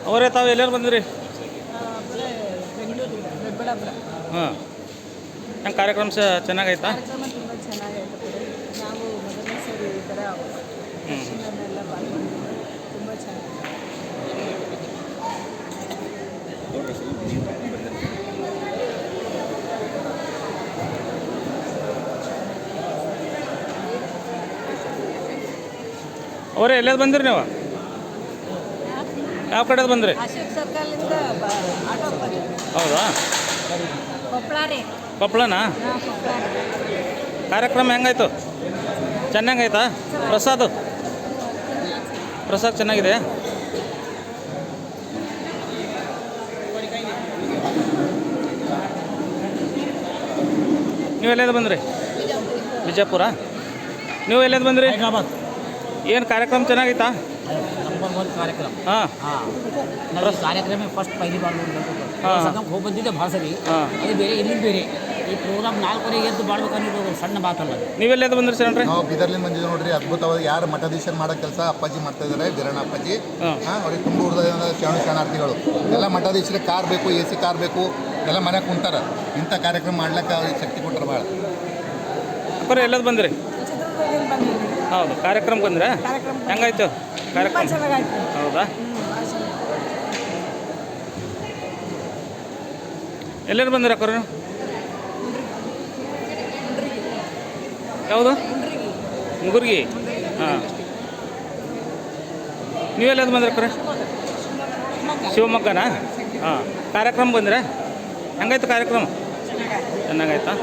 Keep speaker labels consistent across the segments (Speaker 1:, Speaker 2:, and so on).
Speaker 1: ಅವರೇ ತಾವು ಎಲ್ಲರೂ ಬಂದಿರಿ?
Speaker 2: ಬೆಂಗಳೂರಿಂದ ದೊಡ್ಡಬಳ್ಳಾಪುರ.
Speaker 1: ಹಾಂ, ಹೆಂಗೆ ಕಾರ್ಯಕ್ರಮ ಚೆನ್ನಾಗೈತಾ?
Speaker 2: ಕಾರ್ಯಕ್ರಮ ತುಂಬ ಚೆನ್ನಾಗೈತೆ. ನಾವು ಮೊದಲನೇ ಸರಿ ಈ ಥರ ದರ್ಶನನೆಲ್ಲ ಪಾಲ್ಗೊಂಡಿದ್ದು ತುಂಬ ಚೆನ್ನಾಗಿದೆ.
Speaker 1: ಅವರೇ ಎಲ್ಲೇದು ಬಂದಿರಿ ನೀವು? ಯಾವ ಕಡೆದು ಬಂದ್ರಿ?
Speaker 2: ಅಶೋಕ್ ಸರ್ಕಲಿಂದ ಆಟೋ ಬಂದಿದ್ದೀವಿ.
Speaker 1: ಹೌದಾ?
Speaker 2: ಕೊಪ್ಪಳ ರೀ.
Speaker 1: ಕೊಪ್ಪಳನಾ?
Speaker 2: ಹಾಂ, ಕೊಪ್ಪಳ ರೀ.
Speaker 1: ಕಾರ್ಯಕ್ರಮ ಹೆಂಗಾಯ್ತು? ಚೆನ್ನಾಗೈತಾ? ಪ್ರಸಾದ ಚೆನ್ನಾಗಿದೆ. ನೀವು ಎಲ್ಲೇದು ಬಂದ್ರಿ? ಬಿಜಾಪುರ. ನೀವು ಎಲ್ಲೇದು ಬಂದ್ರಿ?
Speaker 3: ಹೈದರಾಬಾದ್.
Speaker 1: ಏನು ಕಾರ್ಯಕ್ರಮ ಚೆನ್ನಾಗೈತಾ?
Speaker 3: ನಂಬರ್ 1 ಕಾರ್ಯಕ್ರಮ.
Speaker 1: ಹಾಂ
Speaker 3: ನಾವು ಈ ಕಾರ್ಯಕ್ರಮ ಫಸ್ಟ್ ಪೈಲಿ ಬಾಳ್ ಹೋಗಿ ಬಂದಿದ್ದೆ ಭಾಳ ಸರಿ.
Speaker 1: ಹಾಂ,
Speaker 3: ಅದು ಬೇರೆ ಇಲ್ಲಿಂದ ಬೇರೆ ಈ ಪ್ರೋಗ್ರಾಮ್ 4 ಎದ್ದು ಮಾಡ್ಬೇಕನ್ನೋದು ಸಣ್ಣ ಮಾತಲ್ಲ.
Speaker 1: ನೀವೆಲ್ಲದು ಬಂದ್ರಿ ಸರ್?
Speaker 4: ನಾವು ಬೀದರ್ಲಿಂದ ಬಂದಿದ್ದೀವಿ ನೋಡ್ರಿ. ಅದ್ಭುತವಾದ ಯಾರು ಮಠಾಧೀಶರು ಮಾಡೋ ಕೆಲಸ ಅಪ್ಪಾಜಿ ಮಾಡ್ತಾ ಇದ್ದಾರೆ, ಬೀರಣ್ಣ ಅಪ್ಪಾಜಿ. ಅವ್ರಿಗೆ ತುಂಬ ಹುಡ್ದ ಶರಣಾರ್ಥಿಗಳು ಎಲ್ಲ ಮಠಾಧೀಶರಿಗೆ ಕಾರ್ ಬೇಕು, AC ಕಾರ್ ಬೇಕು, ಎಲ್ಲ ಮನೆಗೆ ಕುಂತಾರ. ಇಂಥ ಕಾರ್ಯಕ್ರಮ ಮಾಡ್ಲಿಕ್ಕೆ ಅವ್ರಿಗೆ ಶಕ್ತಿ ಕೊಟ್ಟರು ಭಾಳ.
Speaker 1: ಅಪ್ಪರ ಎಲ್ಲದು ಬಂದ್ರಿ? ಹೌದು, ಕಾರ್ಯಕ್ರಮಕ್ಕೆ ಬಂದ್ರೆ ಹೆಂಗಾಯ್ತು ಕಾರ್ಯಕ್ರಮ?
Speaker 2: ಚೆನ್ನಾಗಾಯ್ತು.
Speaker 1: ಹೌದಾ? ಎಲ್ಲರೂ ಬಂದಿರ ಅಕ್ಕರು? ಯಾವುದು? ಮುಂಗುರ್ಗಿ. ಹಾಂ, ನೀವೆಲ್ಲದು ಬಂದ್ರಿ ಅಕ್ಕರ? ಶಿವಮೊಗ್ಗನಾ? ಹಾಂ, ಕಾರ್ಯಕ್ರಮ ಬಂದ್ರೆ ಹೆಂಗಾಯ್ತು ಕಾರ್ಯಕ್ರಮ? ಚೆನ್ನಾಗಾಯ್ತಾ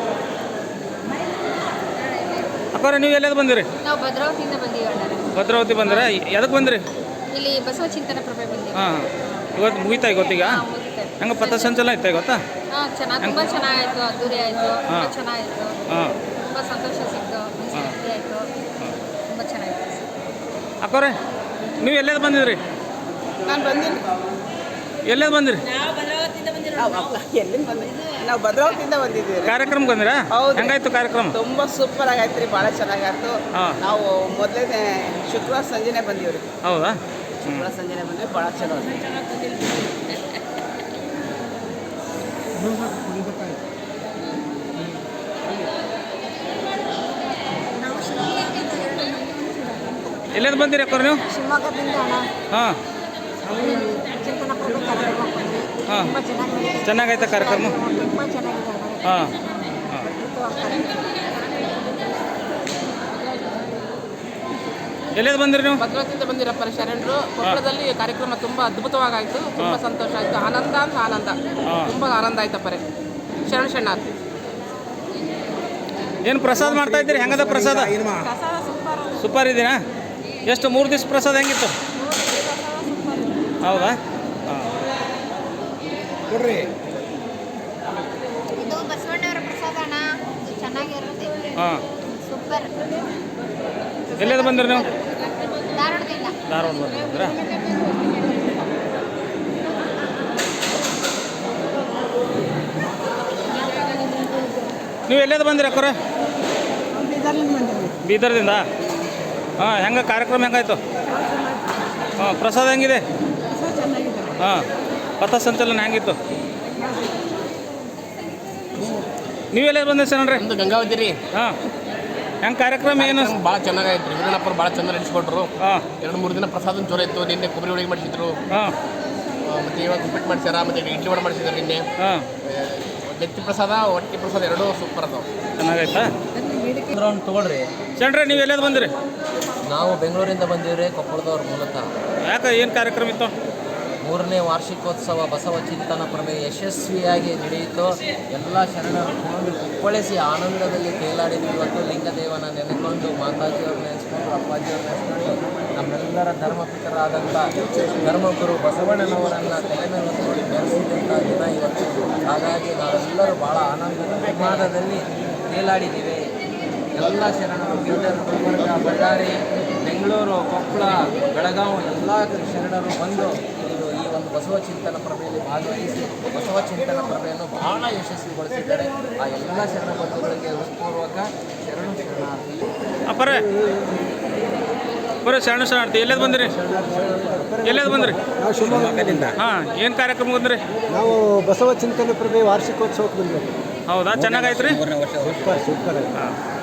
Speaker 1: ಅಕ್ಕರ? ನೀವು ಎಲ್ಲದು ಬಂದಿರಿ?
Speaker 5: ನಾವು ಭದ್ರಾವತಿಯಿಂದ ಬಂದೀವಿ.
Speaker 1: ಭದ್ರಾವತಿ ಬಂದ್ರೆ ಎದಕ್ಕೆ ಬಂದ್ರಿ?
Speaker 5: ಇಲ್ಲಿ ಬಸವ ಚಿಂತನ ಪ್ರಭೆ ಬಂದೀವಿ.
Speaker 1: ಹಾಂ, ಇವತ್ತು ಮುಗಿತಾ ಇವತ್ತೀಗ? ಹೆಂಗೆ ಪಥಸಂಚಲನ ಐತೆ ಗೊತ್ತಾ?
Speaker 5: ಹಾಂ, ತುಂಬ ಚೆನ್ನಾಗಾಯಿತು. ಅದ್ದೂರಿ ಆಯಿತು. ತುಂಬ ಚೆನ್ನಾಗಿತ್ತು.
Speaker 1: ಹಾಂ,
Speaker 5: ತುಂಬ ಸಂತೋಷ ಸಿಕ್ತು. ಖುಷಿ ಆಯಿತು. ತುಂಬ ಚೆನ್ನಾಗಿತ್ತು.
Speaker 1: ಅಕ್ಕವ್ರೆ ನೀವು ಎಲ್ಲೇದು ಬಂದಿದ್ರಿ?
Speaker 2: ನಾನು ಬಂದಿಲ್ಲ.
Speaker 1: ಎಲ್ಲೇದು ಬಂದಿರಿ?
Speaker 2: ಎಲ್ಲಿಂದ ಬಂದಿದ್ದೀವಿ? ನಾವು ಭದ್ರಾವತಿಯಿಂದ ಬಂದಿದ್ದೀವಿ.
Speaker 1: ಕಾರ್ಯಕ್ರಮಕ್ಕೆ ಬಂದಿರಾ?
Speaker 2: ಹೌದು.
Speaker 1: ಹೆಂಗಾಯ್ತು ಕಾರ್ಯಕ್ರಮ?
Speaker 2: ತುಂಬ ಸೂಪರ್ ಆಗೈತೆ ರೀ, ಭಾಳ ಚೆನ್ನಾಗಾಯ್ತು. ನಾವು ಮೊದಲನೇ ಶುಕ್ರವಾರ ಸಂಜೆನೆ ಬಂದೀವಿ ರೀ.
Speaker 1: ಹೌದಾ?
Speaker 2: ಶುಕ್ರವಾರ ಸಂಜೆನೆ ಬಂದ್ವಿ, ಭಾಳ ಚಲೋ ಆಯ್ತು.
Speaker 1: ಎಲ್ಲೇದು ಬಂದಿರಿ ಅಕ್ಕವ್ರು ನೀವು?
Speaker 2: ಶಿವಮೊಗ್ಗದಿಂದ ಅಣ್ಣ.
Speaker 1: ಹಾಂ
Speaker 2: ಚಿಂತನ ಪ್ರಭೆ ಕಾರ್ಯಕ್ರಮ ಬಂದ್ವಿ.
Speaker 1: ಹಾಂ,
Speaker 2: ತುಂಬ ಚೆನ್ನಾಗಿದೆ.
Speaker 1: ಚೆನ್ನಾಗೈತೆ ಕಾರ್ಯಕ್ರಮ?
Speaker 2: ತುಂಬ ಚೆನ್ನಾಗಿದೆ.
Speaker 1: ಹಾಂ, ಎಲ್ಲೇದು ಬಂದಿರಿ ನೀವು?
Speaker 6: ಭದ್ರಾವತಿಯಿಂದ ಬಂದಿರಪ್ಪ ಶರಣರು. ಕೊಪ್ಪಳದಲ್ಲಿ ಕಾರ್ಯಕ್ರಮ ತುಂಬ ಅದ್ಭುತವಾಗಾಯಿತು. ತುಂಬ ಸಂತೋಷ ಆಯಿತು. ಆನಂದ ಅಂತ ಆನಂದ, ತುಂಬ ಆನಂದ ಆಯ್ತಪ್ಪರೆ. ಶರಣಾರ್ಥಿ.
Speaker 1: ಏನು ಪ್ರಸಾದ ಮಾಡ್ತಾ ಇದ್ದೀರಿ? ಹೆಂಗದ ಪ್ರಸಾದ? ಸೂಪರ್ ಇದೀನಾ? ಎಷ್ಟು 3 ದಿವಸ ಪ್ರಸಾದ ಹೆಂಗಿತ್ತು? ಹೌದಾ? ಹಾಂ,
Speaker 3: ಕೊಡ್ರಿ.
Speaker 5: ಇದು ಬಸವಣ್ಣವರ ಪ್ರಸಾದ ಅಣ್ಣ. ಇದು ಚೆನ್ನಾಗಿರುತ್ತೆ.
Speaker 1: ಹಾಂ,
Speaker 5: ಸೂಪರ್.
Speaker 1: ಎಲ್ಲೇದು ಬಂದಿರಿ ನೀವು?
Speaker 5: ಧಾರವಾಡದಿಂದ.
Speaker 1: ಧಾರವಾಡ ಬಂದಿದ್ದೀರಾ? ನೀವು ಎಲ್ಲೇದು ಬಂದಿರಿ ಅಕ್ಕರ? ಬೀದರ್ದಿಂದ. ಹಾಂ, ಹೆಂಗೆ ಕಾರ್ಯಕ್ರಮ ಹೆಂಗಾಯ್ತು? ಹಾಂ, ಪ್ರಸಾದ ಹೆಂಗಿದೆ? ಹಾಂ, ಪಥಸಂಚಲನ ಹೆಂಗಿತ್ತು? ನೀವೆಲ್ಲ ಬಂದಿರಿ ಸರ್? ನೋಡ್ರಿ
Speaker 6: ನಮ್ಮದು ಗಂಗಾವತಿ ರೀ.
Speaker 1: ಹಾಂ, ಹೆಂಗೆ ಕಾರ್ಯಕ್ರಮ ಏನು?
Speaker 6: ಭಾಳ ಚೆನ್ನಾಗಾಯ್ತು ರೀ. ವೀರಣ್ಣಪ್ಪರು ಭಾಳ ಚೆನ್ನಾಗಿ ನಡೆಸ್ಕೊಟ್ರು.
Speaker 1: ಹಾಂ,
Speaker 6: 2-3 ದಿನ ಪ್ರಸಾದ ಚೋರ ಇತ್ತು. ನಿನ್ನೆ ಕೊಬ್ಬರಿ ಹೋಳಿಗೆ ಮಾಡಿಸಿದ್ರು.
Speaker 1: ಹಾಂ,
Speaker 6: ಮತ್ತು ಇವಾಗ ಉಪ್ಪಿಟ್ಟು ಮಾಡಿಸ್ಯಾರ. ಮತ್ತು ಇಡ್ಲಿ ವಡೆ ಮಾಡಿಸಿದ್ರು ನಿನ್ನೆ.
Speaker 1: ಹಾಂ,
Speaker 6: ನೆತ್ತಿ ಪ್ರಸಾದ, ಹೊಟ್ಟೆ ಪ್ರಸಾದ ಎರಡೂ ಸೂಪರ್ ಅದಾವೆ.
Speaker 1: ಚೆನ್ನಾಗೈತಾ?
Speaker 3: ತೊಗೊಳ್ರಿ.
Speaker 1: ಸಣ್ಣ್ರೆ ನೀವು ಎಲ್ಲೇದು ಬಂದಿರಿ?
Speaker 3: ನಾವು ಬೆಂಗಳೂರಿಂದ ಬಂದಿವ್ರಿ, ಕೊಪ್ಪಳದವ್ರು ಮೂಲತಃ.
Speaker 1: ಯಾಕೆ ಏನು ಕಾರ್ಯಕ್ರಮ ಇತ್ತು?
Speaker 3: 3ನೇ ವಾರ್ಷಿಕೋತ್ಸವ ಬಸವ ಚಿಂತನ ಪ್ರಭೆ ಯಶಸ್ವಿಯಾಗಿ ನಡೆಯಿತು. ಎಲ್ಲ ಶರಣರು ಕುಪ್ಪಳಿಸಿ ಆನಂದದಲ್ಲಿ ತೇಲಾಡಿದ್ವಿ. ಇವತ್ತು ಲಿಂಗದೇವನ ನೆನೆಕೊಂಡು, ಮಾತಾಜಿಯವ್ರು ನೆನೆಸ್ಕೊಂಡು, ಅಪ್ಪಾಜಿಯವ್ರು ನೆನೆಸ್ಕೊಂಡು, ನಮ್ಮೆಲ್ಲರ ಧರ್ಮಪಿತರಾದಂಥ ಧರ್ಮಗುರು ಬಸವಣ್ಣನವರನ್ನು ತಲೆ ಮೇಲೆ ಹೊತ್ಕೊಂಡು ಬೆರೆಸಿದಂಥ ದಿನ ಇವತ್ತು. ಹಾಗಾಗಿ ನಾವೆಲ್ಲರೂ ಭಾಳ ಆನಂದದಲ್ಲಿ ತೇಲಾಡಿದ್ದೀವಿ. ಎಲ್ಲ ಶರಣರು ಬೀದರ್, ಗುಲ್ಬರ್ಗ, ಬಳ್ಳಾರಿ, ಬೆಂಗಳೂರು, ಕೊಪ್ಪಳ, ಬೆಳಗಾವಿ ಎಲ್ಲ ಶರಣರು ಬಂದು ಈ ಒಂದು ಬಸವ ಚಿಂತನ ಪ್ರಭೆಯಲ್ಲಿ ಭಾಗವಹಿಸಿ ಬಸವ ಚಿಂತನ ಪ್ರಭೆಯನ್ನು ಬಹಳ ಯಶಸ್ವಿಗೊಳಿಸಿದ್ದಾರೆ. ಆ ಎಲ್ಲ ಶರಣ ಬಂಧುಗಳಿಗೆ ಹೃತ್ಪೂರ್ವಕ ಶರಣಾರ್ಥಿ.
Speaker 1: ಅಪ್ಪರೇ ಬರೀ ಶರಣ ಶರಣಾರ್ಥಿ ಎಲ್ಲೇದು ಬಂದಿರಿ ಬಂದ್ರಿ
Speaker 7: ನಾವು ಶಿವಮೊಗ್ಗದಿಂದ
Speaker 1: ಹಾಂ ಏನು ಕಾರ್ಯಕ್ರಮ ಬಂದ್ರಿ
Speaker 7: ನಾವು ಬಸವ ಚಿಂತನೆ ಪ್ರಭೆ ವಾರ್ಷಿಕೋತ್ಸವಕ್ಕೆ ಬಂದ್ವಿ.
Speaker 1: ಹೌದಾ ಚೆನ್ನಾಗೈತ್ರಿ
Speaker 7: ಸೂಪರ್ ಆಗಿ.
Speaker 1: ಹಾಂ